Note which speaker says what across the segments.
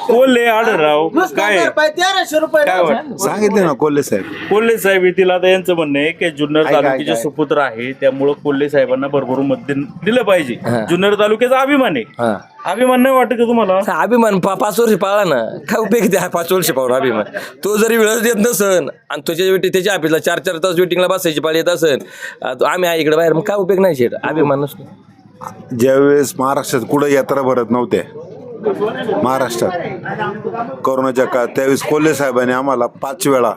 Speaker 1: कोल्हे आढळराव काय
Speaker 2: 1300 रुपये
Speaker 1: काय वाटतं?
Speaker 3: सांगितले ना कोल्हे साहेब.
Speaker 1: कोल्हे साहेब येथील आता यांचं म्हणणं आहे की जुन्नर
Speaker 3: काय, काय,
Speaker 1: तालुक्याचे
Speaker 3: काय?
Speaker 1: सुपुत्र आहे त्यामुळं कोल्हे साहेबांना भरभरून मत दिलं पाहिजे. जुन्नर तालुक्याचा अभिमान आहे. अभिमान नाही वाटत का तुम्हाला?
Speaker 4: अभिमान 5 वर्ष पाळला ना, काय उपयोग त्या 5 वर्ष पाहून अभिमान. तो जरी वेळच देत नसन आणि त्याच्या ऑफिसला 4 तास वेटिंगला बसायची पाळी येत असन, आम्ही आहे इकडे बाहेर, मग काय उपयोग नाही शेट. अभिमान नसतो.
Speaker 3: ज्यावेळेस महाराष्ट्रात कुठं यात्रा भरत नव्हत्या महाराष्ट्रात कोरोनाच्या काळात, त्यावेळेस कोल्हे साहेबांनी आम्हाला 5 वेळा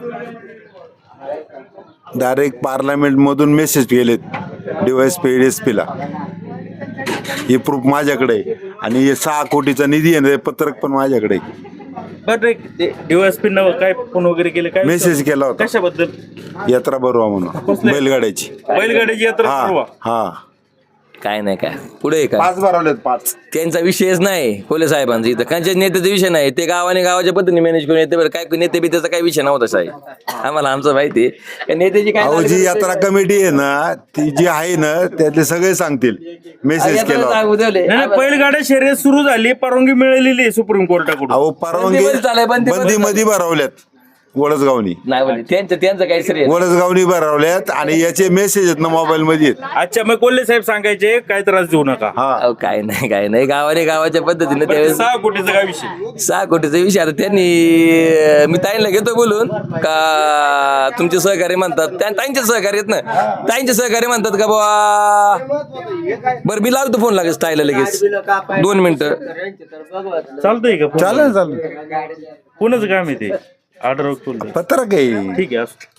Speaker 3: डायरेक्ट पार्लमेंटमधून मेसेज केलेत DYSP ला. हे प्रूफ माझ्याकडे आहे आणि हे 6 कोटीचा निधी आहे, पत्रक पण माझ्याकडे आहे.
Speaker 1: बरं DYSP न काय फोन वगैरे केले काय
Speaker 3: मेसेज केला होता
Speaker 1: कशाबद्दल?
Speaker 3: यात्रा भरवा म्हणून बैलगाड्याची.
Speaker 1: बैलगाडीची यात्रा
Speaker 3: हा
Speaker 1: ठरवा.
Speaker 3: हा
Speaker 4: काय नाही काय पुढे काय
Speaker 3: 5 भरवलेत 5.
Speaker 4: त्यांचा विषयच नाही कोल्हे साहेबांचा. इथं त्यांच्या नेत्याचा विषय नाही. ते गावाच्या पद्धतीने मॅनेज करून येते. बरं काय नेते बी त्याचा काही विषय नव्हता साहेब. आम्हाला आमचं माहिती आहे नेत्याची काय.
Speaker 3: अहो जी यात्रा कमिटी आहे ना, ती जी आहे ना, त्यातले सगळे सांगतील. मेसेज केला होता.
Speaker 4: सांगू ठेवले.
Speaker 1: नाही, बैलगाड्या शर्यत सुरू झाली, परवानगी मिळालेली आहे सुप्रीम कोर्टाकडून.
Speaker 3: अहो परवानगी
Speaker 4: बंदी चालू आहे, बंदी
Speaker 3: मध्ये भरवल्यात वडसगावनी.
Speaker 4: नाही बोलले त्यांचं काही श्रेय.
Speaker 3: वडसगावनी भरवल्यात आणि याचे मेसेज आहेत ना मोबाईल मध्ये आहेत.
Speaker 1: अच्छा, मग कोल्हे साहेब सांगायचे काय त्रास देऊ नका.
Speaker 3: हा
Speaker 4: अहो, काय नाही गावाच्या पद्धतीने
Speaker 1: बरं,
Speaker 4: त्यावेळेस
Speaker 1: 6 कोटीचा काय विषय?
Speaker 4: 6 कोटीचा विषय. आता त्यांनी मी ताईंना घेतो बोलून का तुमचे सहकारी म्हणतात, ताईंचे सहकारी आहेत ना, ताईंचे सहकारी म्हणतात का बाबा बरं मी लावतो फोन लागेल ताईला लगेच 2 मिनिटं.
Speaker 1: चालतंय का?
Speaker 3: चालेल
Speaker 1: कोणाचं काम आहे ते? ऑर्डर
Speaker 3: पत्रक आहे.
Speaker 1: ठीक आहे असं.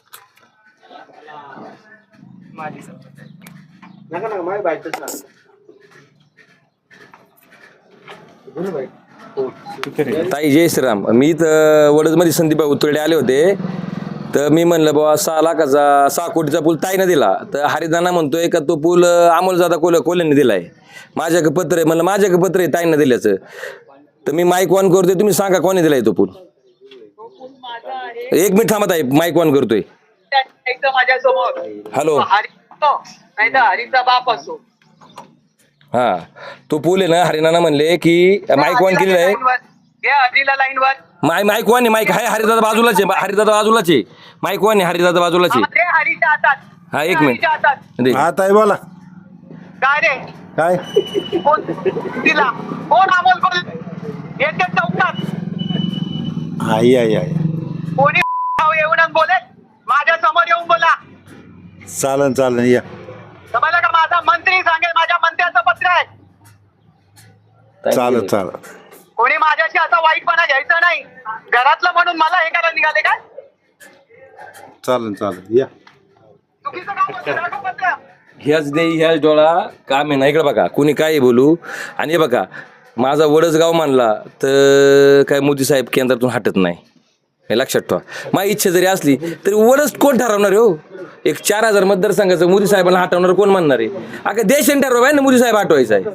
Speaker 4: ताई जय श्रीराम. मी इथं वडदमध्ये संदीप उतरडे आले होते. तर मी म्हणलं बाबा 6 लाखाचा 6 कोटीचा पूल ताईनं दिला. तर हरिदाना म्हणतोय का तो पूल अमोलदादा कोल्हेने दिलाय. माझ्याकडे पत्र आहे. म्हणलं माझ्याकडे पत्र आहे ताईनं दिल्याचं. तर मी माईक ऑन करतोय, तुम्ही सांगा कोणी दिलाय तो पूल. 1 मिनिट थांबत आहे, माईक ऑन करतोय.
Speaker 5: माझ्या समोर
Speaker 4: हॅलो.
Speaker 5: नाही तर हरीचा बाप असो.
Speaker 4: हा तो पूल आहे ना, हरिनाना म्हणले की माईक ऑन केलेला आहे.
Speaker 5: हरीला लाईन वर
Speaker 4: माईक ऑन आहे. माईक आहे हरिदादा बाजूलाच आहे. हरिदादा बाजूलाच आहे. माईक ऑन आहे. हरिदादा बाजूलाच आहे.
Speaker 5: हरीच्या हातात.
Speaker 4: हा 1 मिनिट दे.
Speaker 3: हा ताई बोला.
Speaker 5: काय रे
Speaker 3: काय
Speaker 5: कोण तिला कोण अमोल कोण येते चौकात
Speaker 3: आई आई आई
Speaker 5: कोणी येऊन बोले माझ्या समोर येऊन बोला.
Speaker 3: चालन या.
Speaker 5: समजलं का? माझा मंत्री सांगेल, माझ्या मंत्र्याचं पत्र आहे.
Speaker 3: चालत
Speaker 5: कोणी माझ्याशी असा वाईटपणा घ्यायचा नाही. घरातलं म्हणून मला हे करायला निघाले काय?
Speaker 3: चालन या.
Speaker 5: चुकीचं काम होतं, दाखव पत्र.
Speaker 4: ह्याच डोळा काम आहे ना. इकडे बघा कोणी काय बोलू. आणि हे बघा माझा वडसगाव मानला तर काय मोदी साहेब केंद्रातून हटत नाही, हे लक्षात ठेवा. माझी इच्छा जरी असली तरी वडच कोण ठरवणार आहे हो? एक 4000 मतदारसंघाचं मोदी साहेबांना हटवणार कोण म्हणणार आहे? अगं देशाने ठरवा ना मोदी साहेब हटवायचा आहे.